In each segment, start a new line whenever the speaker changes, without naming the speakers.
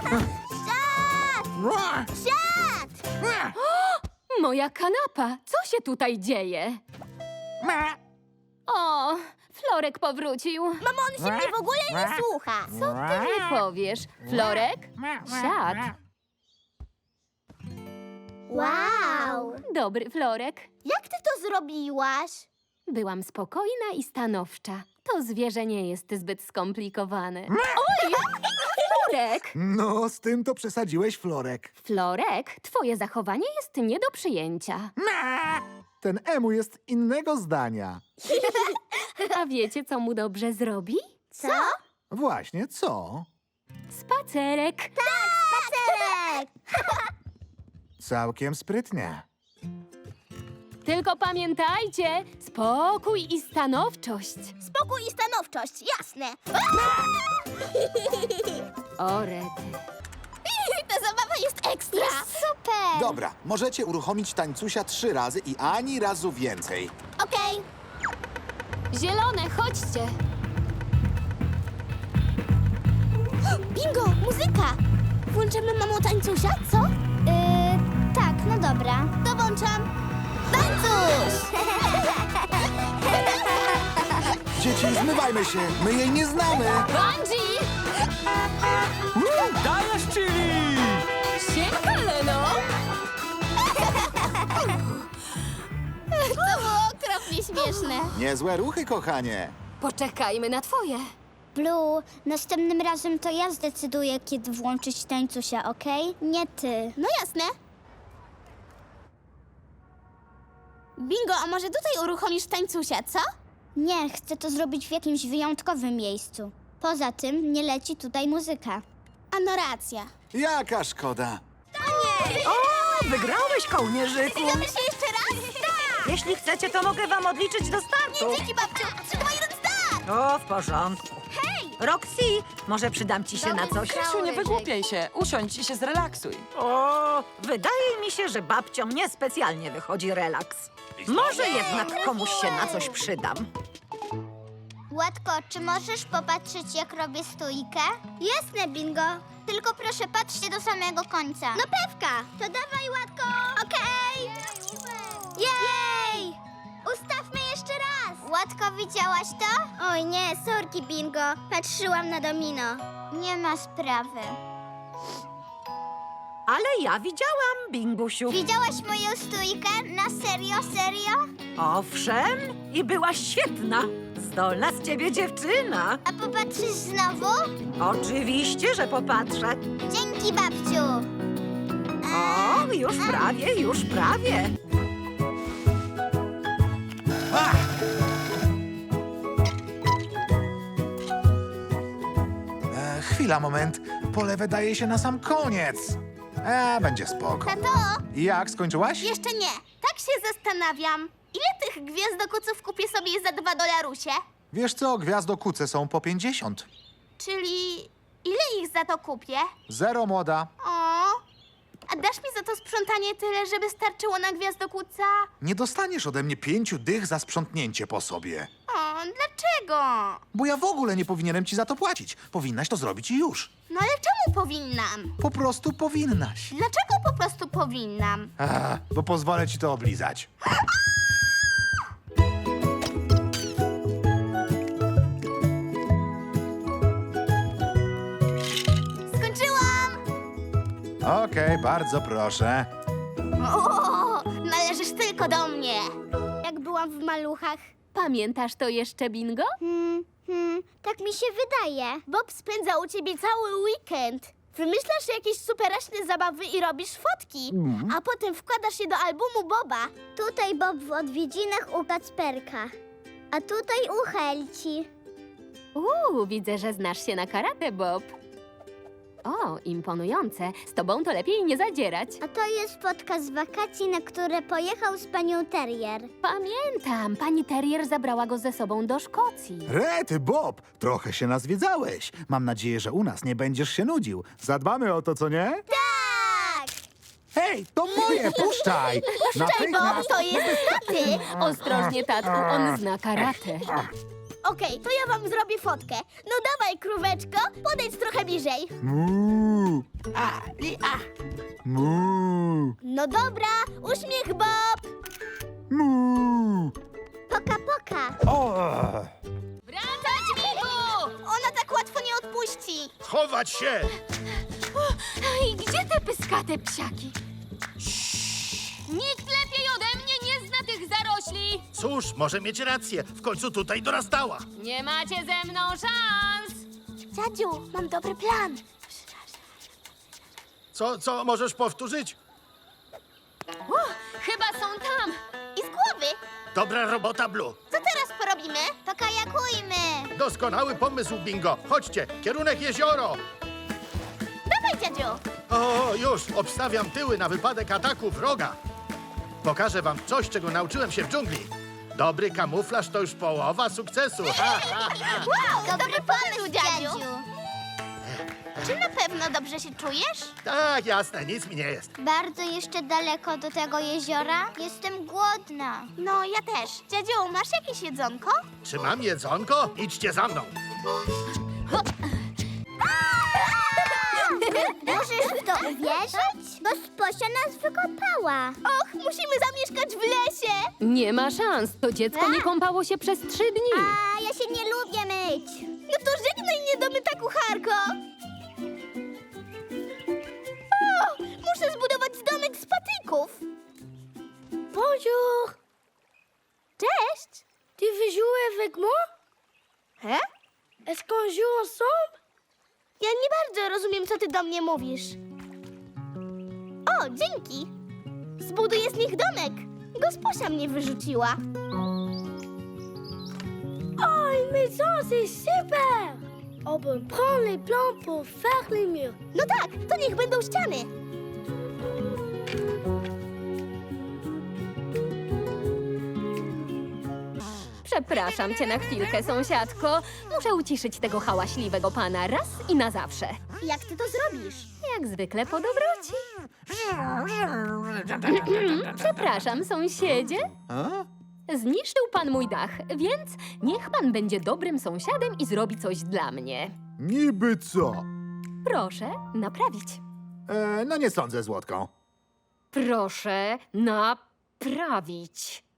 Siad!
Moja kanapa! Co się tutaj dzieje? O, Florek powrócił.
Mamo, on się mnie w ogóle nie słucha.
Co ty mi powiesz? Florek? Siad.
Wow!
Dobry Florek.
Jak ty to zrobiłaś?
Byłam spokojna i stanowcza. To zwierzę nie jest zbyt skomplikowane. Oj! Florek!
No, z tym to przesadziłeś, Florek.
Florek, twoje zachowanie jest nie do przyjęcia.
Ten Emu jest innego zdania.
A wiecie, co mu dobrze zrobi?
Co?
Właśnie, co?
Spacerek.
Spacerek!
Całkiem sprytnie.
Tylko pamiętajcie, spokój i stanowczość.
Spokój i stanowczość, jasne.
O, rety.
Ta zabawa jest ekstra. Jest super.
Dobra, możecie uruchomić tańcusia 3 razy i ani razu więcej.
Okej.
Zielone, chodźcie.
Bingo, muzyka. Włączymy mamo tańcusia, co? Tak, no dobra. To włączam. Tańcuś!
Dzieci, zmywajmy się, my jej nie znamy.
Bungee!
Dajesz, Chili!
Siemka, Leno!
To było okropnie śmieszne.
Niezłe ruchy, kochanie.
Poczekajmy na twoje.
Blue, następnym razem to ja zdecyduję, kiedy włączyć tańcusia, okej? Nie ty.
No jasne. Bingo, a może tutaj uruchomisz tańcusia, co?
Nie, chcę to zrobić w jakimś wyjątkowym miejscu. Poza tym nie leci tutaj muzyka.
A no racja.
Jaka szkoda.
O, wygrałeś, kołnierzyku!
Zgadzamy się jeszcze raz? Tak!
Jeśli chcecie, to mogę wam odliczyć do startu.
Dzięki, babciu. 3, 2, 1, start!
O, w porządku. Hej! Roxy, może przydam ci się na coś?
Krzysiu, nie wygłupiaj się. Usiądź i się zrelaksuj.
O, wydaje mi się, że babciom niespecjalnie wychodzi relaks. Może jednak komuś się na coś przydam.
Łatko, czy możesz popatrzeć, jak robię stójkę? Jasne, Bingo. Tylko proszę, patrzcie do samego końca.
No pewka.
To dawaj, Łatko.
Okej.
Jej! Ustawmy jeszcze raz. Łatko, widziałaś to? Oj nie, sorki, Bingo. Patrzyłam na domino. Nie ma sprawy.
Ale ja widziałam, Bingusiu.
Widziałaś moją stójkę? Na serio, serio?
Owszem, i byłaś świetna. Zdolna z ciebie dziewczyna.
A popatrzysz znowu?
Oczywiście, że popatrzę.
Dzięki, babciu.
O, już prawie, już prawie.
Chwila, moment. Pole wydaje się na sam koniec. Będzie spoko.
Tato,
Jak, skończyłaś?
jeszcze nie. Tak się zastanawiam. Ile tych gwiazdokuców kupię sobie za $2?
Wiesz co, gwiazdokuce są po 50.
Czyli ile ich za to kupię?
0, młoda.
O, a dasz mi za to sprzątanie tyle, żeby starczyło na gwiazdokuca?
Nie dostaniesz ode mnie 5 dych za sprzątnięcie po sobie.
O, dlaczego?
Bo ja w ogóle nie powinienem ci za to płacić. Powinnaś to zrobić i już.
No ale czemu powinnam?
Po prostu powinnaś.
Dlaczego po prostu powinnam?
Bo pozwolę ci to oblizać.
Skończyłam!
Okej, bardzo proszę.
O, należysz tylko do mnie.
Jak byłam w maluchach.
Pamiętasz to jeszcze, Bingo?
Tak mi się wydaje.
Bob spędza u ciebie cały weekend. Wymyślasz jakieś superaśne zabawy i robisz fotki, a potem wkładasz je do albumu Boba.
Tutaj Bob w odwiedzinach u Kacperka, a tutaj u Helci.
Widzę, że znasz się na karate, Bob. O, imponujące. Z tobą to lepiej nie zadzierać.
A to jest fotka z wakacji, na które pojechał z panią Terrier.
Pamiętam, pani Terrier zabrała go ze sobą do Szkocji.
Rety, Bob, trochę się nazwiedzałeś. Mam nadzieję, że u nas nie będziesz się nudził. Zadbamy o to, co nie?
Tak!
Hej, to moje, puszczaj!
Cześć, Bob, to jest taty.
Ostrożnie, tatku, on zna karate.
Okej, to ja wam zrobię fotkę. No dawaj, króweczko, podejdź trochę bliżej.
Mu.
No dobra, uśmiech Bob!
Mu.
Poka, poka.
Wracać, Bingo! Ona tak łatwo nie odpuści.
Schować się!
I gdzie te pyskate psiaki? Nikt lepiej ode mnie nie zna tych zarośli.
Cóż, może mieć rację. W końcu tutaj dorastała.
Nie macie ze mną szans.
Dziadziu, mam dobry plan.
Co możesz powtórzyć?
Chyba są tam.
I z głowy.
Dobra robota, Blue.
Co teraz porobimy?
Pokajakujmy.
Doskonały pomysł, Bingo. Chodźcie, kierunek jezioro.
Dawaj, dziadziu.
O, już, obstawiam tyły na wypadek ataku wroga. Pokażę wam coś, czego nauczyłem się w dżungli. Dobry kamuflaż to już połowa sukcesu. Ha, ha, ha.
Wow,
Dobry pomysł, dziadziu.
Czy na pewno dobrze się czujesz?
Tak, jasne, nic mi nie jest.
Bardzo jeszcze daleko do tego jeziora. Jestem głodna.
No, ja też. Dziadziu, masz jakieś jedzonko?
Czy mam jedzonko? Idźcie za mną.
Możesz w to uwierzyć? Bo Sposia nas wykopała.
Och, musimy zamieszkać w lesie.
Nie ma szans. To dziecko nie kąpało się przez 3 dni.
A ja się nie lubię myć.
No to żegnaj mnie do myta, kucharko. O, muszę zbudować domek z patyków. Bonjour. Cześć. Tu veux jouer avec moi? He? Est-ce qu'on joue ensemble? Ja nie bardzo rozumiem, co ty do mnie mówisz. O, dzięki. Zbuduję z nich domek. Gosposia mnie wyrzuciła. Oh, une maison, c'est super! On peut prendre les plans pour faire les murs. No tak, to niech będą ściany.
Przepraszam cię na chwilkę, sąsiadko. Muszę uciszyć tego hałaśliwego pana raz i na zawsze.
Jak ty to zrobisz?
Jak zwykle po dobroci. Przepraszam, sąsiedzie.
A?
Zniszczył pan mój dach, więc niech pan będzie dobrym sąsiadem i zrobi coś dla mnie.
Niby co?
Proszę naprawić.
No nie sądzę, Złotką.
Proszę naprawić.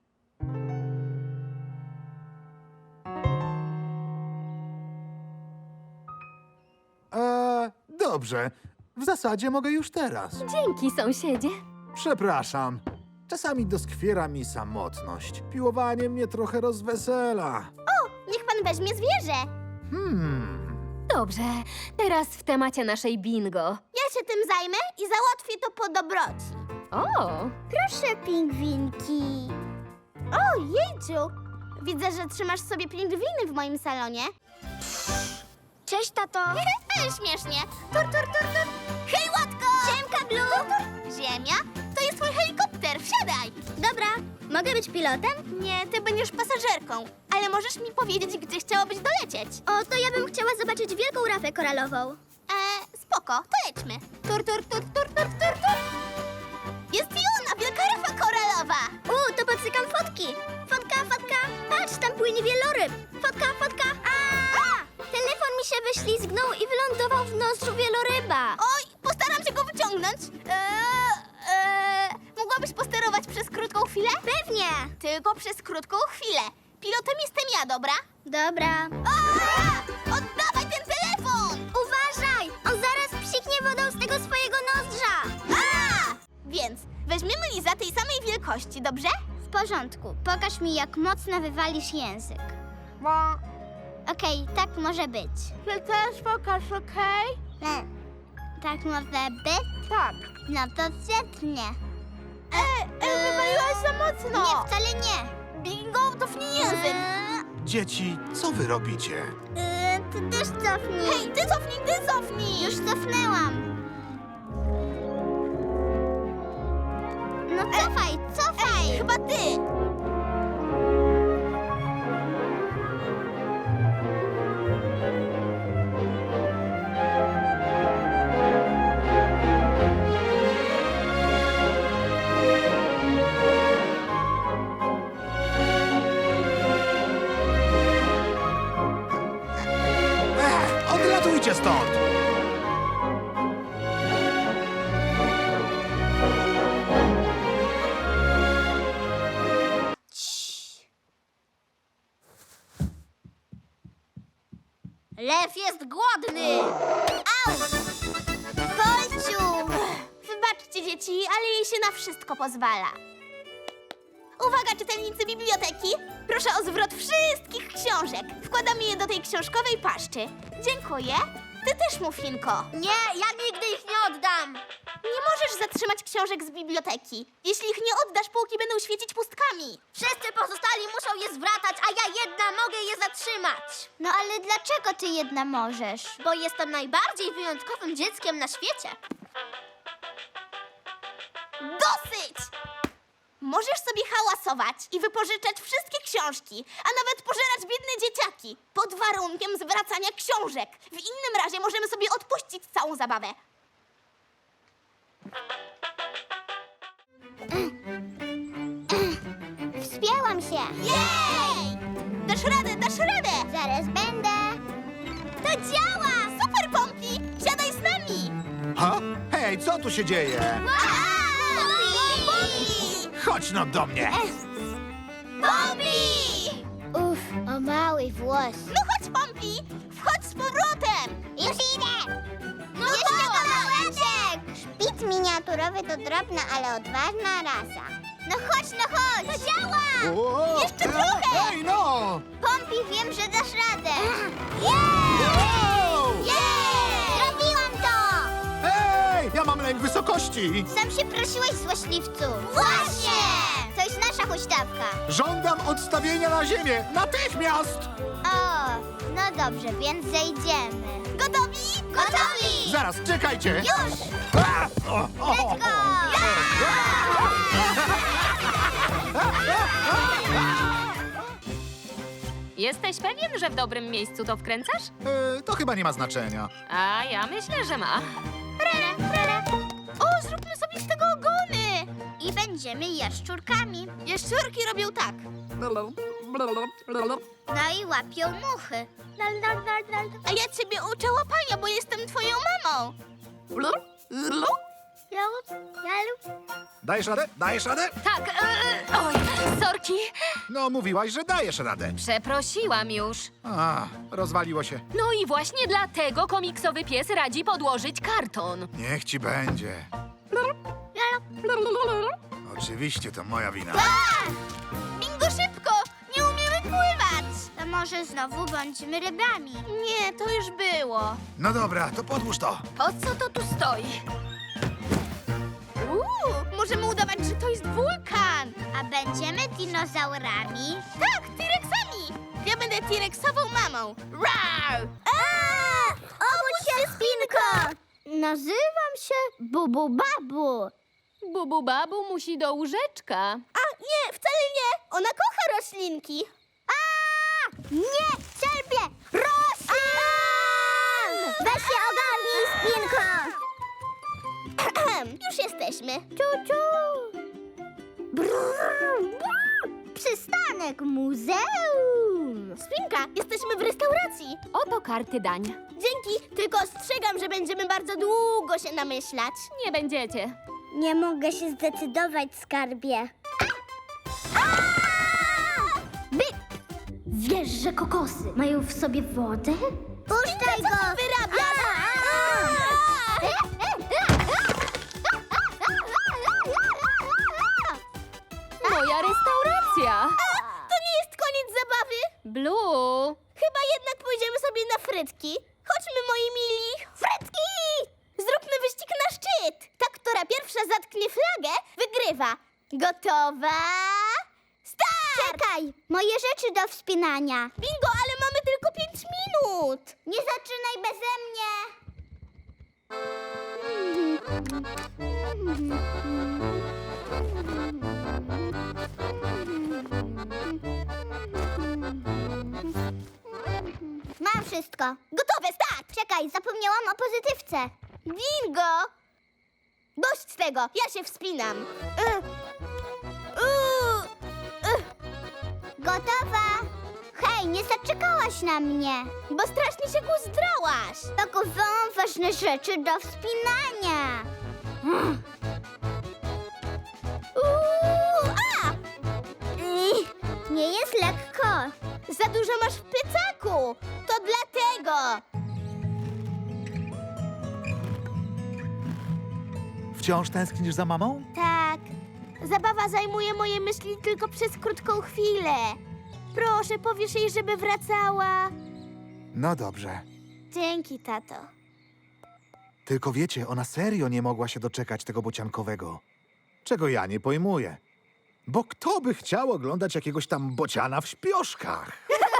Dobrze. W zasadzie mogę już teraz.
Dzięki, sąsiedzie.
Przepraszam. Czasami doskwiera mi samotność. Piłowanie mnie trochę rozwesela.
Niech pan weźmie zwierzę.
Dobrze, teraz w temacie naszej bingo.
Ja się tym zajmę i załatwię to po dobroci.
O,
Proszę, pingwinki.
O, jejciu. Widzę, że trzymasz sobie pingwiny w moim salonie.
Cześć, tato.
Ale śmiesznie. Tur, tur, tur, tur. Hej, Łatko!
Siemka, Blue.
Ziemia? To jest twój helikopter, wsiadaj!
Dobra, mogę być pilotem?
Nie, ty będziesz pasażerką. Ale możesz mi powiedzieć, gdzie chciałabyś dolecieć.
O, to ja bym chciała zobaczyć wielką rafę koralową.
Spoko, to lećmy. Tur, tur, tur, tur, tur, tur, tur. Jest i ona, wielka rafa koralowa.
To popsykam fotki. Fotka, fotka. Patrz, tam płynie wieloryb. Fotka, fotka. Telefon mi się wyślizgnął i wylądował w nozdrzu wieloryba.
Oj, postaram się go wyciągnąć. Mogłabyś posterować przez krótką chwilę?
Pewnie.
Tylko przez krótką chwilę. Pilotem jestem ja, dobra?
Dobra.
Oddawaj ten telefon!
Uważaj! On zaraz psiknie wodą z tego swojego nozdrza.
Więc weźmiemy Liza tej samej wielkości, dobrze?
W porządku. Pokaż mi, jak mocno wywalisz język. Okej, tak może być.
Ty też pokaż, okej?
Tak może być?
Tak.
No to świetnie.
Wywaliłaś za mocno.
Nie, wcale nie.
Bingo, cofnij język.
Dzieci, co wy robicie?
Ty też cofnij.
Hej, ty cofnij.
Już cofnęłam. No cofaj, cofaj.
Chyba ty.
Odlatujcie stąd!
Lew jest głodny! Au! Polciu!
Wybaczcie, dzieci, ale jej się na wszystko pozwala. Uwaga, czytelnicy biblioteki! Proszę o zwrot wszystkich książek. Wkładamy je do tej książkowej paszczy. Dziękuję. Ty też, Muffinko.
Nie, ja nigdy ich nie oddam!
Nie możesz zatrzymać książek z biblioteki. Jeśli ich nie oddasz, półki będą świecić pustkami.
Wszyscy pozostali muszą je zwracać, a ja jedna mogę je zatrzymać. No ale dlaczego ty jedna możesz? Bo jestem najbardziej wyjątkowym dzieckiem na świecie.
Dosyć! Możesz sobie hałasować i wypożyczać wszystkie książki, a nawet pożerać biedne dzieciaki, pod warunkiem zwracania książek. W innym razie możemy sobie odpuścić całą zabawę.
Wspięłam się.
Jej! Dasz radę, dasz radę!
Zaraz będę. To działa!
Super, Pompi! Siadaj z nami!
Ha? Hej, co tu się dzieje?
Pompi!
Chodź no do mnie.
Pompi!
Uff, o mały włos.
No chodź, Pompi! Wchodź z powrotem!
Już idę! No jeszcze kawałeczek! Szpic miniaturowy to drobna, ale odważna rasa. No chodź, no chodź! To działa!
O,
Jeszcze trochę!
Ej, no!
Pompi, wiem, że dasz radę.
Wow!
Jej! Zrobiłam to!
Ej, ja mam lęk wysokości.
Sam się prosiłeś, złośliwcu. Właśnie! To jest nasza huśtawka.
Żądam odstawienia na ziemię. Natychmiast!
O, no dobrze, więc zejdziemy.
Gotowi?
Gotowi!
Zaraz, czekajcie.
Już!
A!
Let's go!
Jesteś pewien, że w dobrym miejscu to wkręcasz?
To chyba nie ma znaczenia.
A ja myślę, że ma.
O, zróbmy sobie z tego ogony!
I będziemy jaszczurkami.
Jaszczurki robią tak.
No i łapią muchy.
A ja ciebie uczę łapania, bo jestem twoją mamą.
Dajesz radę? Dajesz radę?
Tak, oj, sorki.
No, mówiłaś, że dajesz radę.
Przeprosiłam już.
A, rozwaliło się.
No i właśnie dlatego komiksowy pies radzi podłożyć karton.
Niech ci będzie. Oczywiście, to moja wina.
Bingo, szybko! Nie umiemy pływać!
To może znowu bądźmy rybami.
Nie, to już było.
No dobra, to podłóż to.
Po co to tu stoi?
Możemy udawać, że to jest wulkan.
A będziemy dinozaurami?
Tak, T-Rexami. Ja będę T-Rexową mamą. Rar!
Obudź się, Spinko! Nazywam się Bubu Babu.
Bubu babu musi do łóżeczka.
A nie, wcale nie. Ona kocha roślinki.
Nie, cierpię! Roślin! Weź się ogarnij, Spinko!
Już jesteśmy.
Ciu. Przystanek muzeum.
Spinka, jesteśmy w restauracji.
Oto karty dań.
Dzięki, tylko ostrzegam, że będziemy bardzo długo się namyślać.
Nie będziecie.
Nie mogę się zdecydować, skarbie.
Wiesz, że kokosy mają w sobie wodę?
Puszczaj go!
Wyrabiasz!
Moja restauracja.
To nie jest koniec zabawy.
Blue.
Chyba jednak pójdziemy sobie na frytki. Chodźmy, moi mili. Frytki! Zróbmy wyścig na szczyt. Ta, która pierwsza zatknie flagę, wygrywa. Gotowa? Start!
Czekaj, moje rzeczy do wspinania.
Bingo, ale mamy tylko 5 minut.
Nie zaczynaj beze mnie. Mam wszystko.
Gotowe, start!
Czekaj, zapomniałam o pozytywce.
Bingo! Dość tego, ja się wspinam.
Gotowa? Hej, nie zaczekałaś na mnie.
Bo strasznie się kuzdrałaś.
Pakowałam ważne rzeczy do wspinania. Nie jest lekko.
Za dużo masz w plecaku. To dlatego.
Wciąż tęsknisz za mamą?
Tak. Zabawa zajmuje moje myśli tylko przez krótką chwilę. Proszę, powiesz jej, żeby wracała.
No dobrze.
Dzięki, tato.
Tylko wiecie, ona serio nie mogła się doczekać tego bociankowego. Czego ja nie pojmuję. Bo kto by chciał oglądać jakiegoś tam bociana w śpioszkach?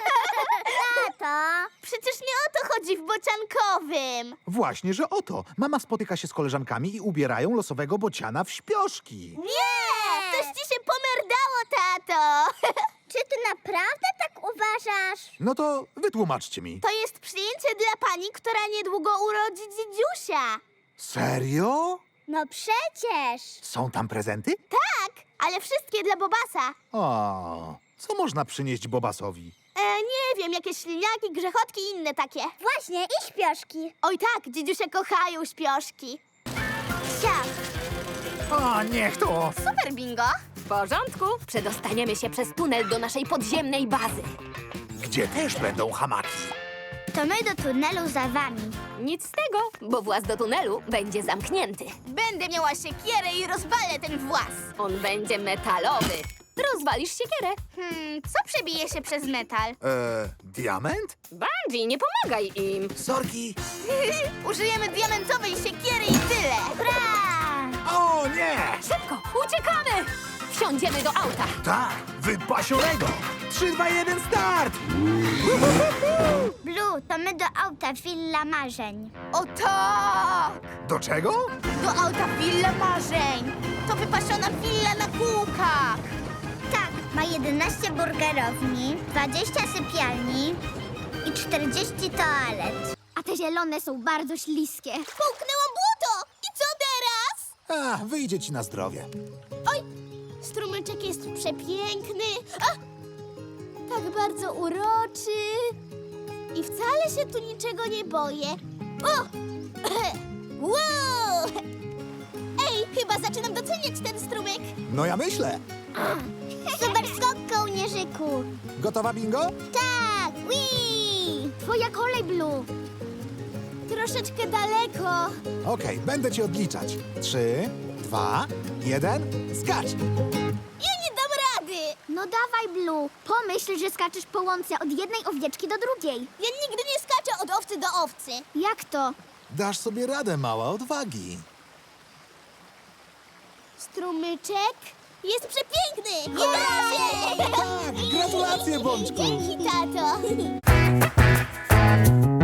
Tato, przecież nie o to chodzi w bociankowym.
Właśnie, że oto. Mama spotyka się z koleżankami i ubierają losowego bociana w śpioszki.
Nie! Coś ci się pomerdało, tato.
Czy ty naprawdę tak uważasz?
No to wytłumaczcie mi.
To jest przyjęcie dla pani, która niedługo urodzi dziedziusia.
Serio?
No przecież.
Są tam prezenty?
Tak, ale wszystkie dla Bobasa.
O, co można przynieść Bobasowi?
Nie wiem, jakieś śliniaki, grzechotki i inne takie.
Właśnie, i śpioszki.
Oj tak, dziedziusie kochają śpioszki. Siap,
O, niech to!
super bingo.
W porządku. Przedostaniemy się przez tunel do naszej podziemnej bazy.
Gdzie też będą hamaki.
To my do tunelu za wami.
Nic z tego, bo właz do tunelu będzie zamknięty.
Będę miała siekierę i rozwalę ten włas.
On będzie metalowy. Rozwalisz siekierę.
Co przebije się przez metal?
Diament?
Bungie, nie pomagaj im.
Sorki.
Użyjemy diamentowej siekiery i tyle. Hurra!
O, nie!
Szybko, uciekamy! Wsiądziemy do auta.
Tak, wypasionego! 3, 2, 1, start!
Blue, to my do auta Villa Marzeń.
O tak!
Do czego?
Do auta Willa Marzeń. To wypasiona willa na kółkach.
Tak, ma 11 burgerowni, 20 sypialni i 40 toalet. A te zielone są bardzo śliskie.
Połknęłam błoto. I co teraz?
A, wyjdzie ci na zdrowie.
Oj, strumyczek jest przepiękny. A! Tak bardzo uroczy. I wcale się tu niczego nie boję. O! Wow! Ej, chyba zaczynam doceniać ten strumyk.
No ja myślę.
Super skok, kołnierzyku.
Gotowa, bingo?
Tak, wii! Twoja kolej, Blue.
Troszeczkę daleko.
Okej, będę ci odliczać. 3, 2, 1, skacz!
Ja nie dam rady.
No dawaj, Blue. Pomyśl, że skaczesz po łące od jednej owieczki do drugiej.
Ja nigdy nie skaczę od owcy do owcy.
Jak to?
Dasz sobie radę, mała odwagi.
Strumyczek jest przepiękny. Gratulacje!
Tak, gratulacje, Bączku!
Dzięki, tato.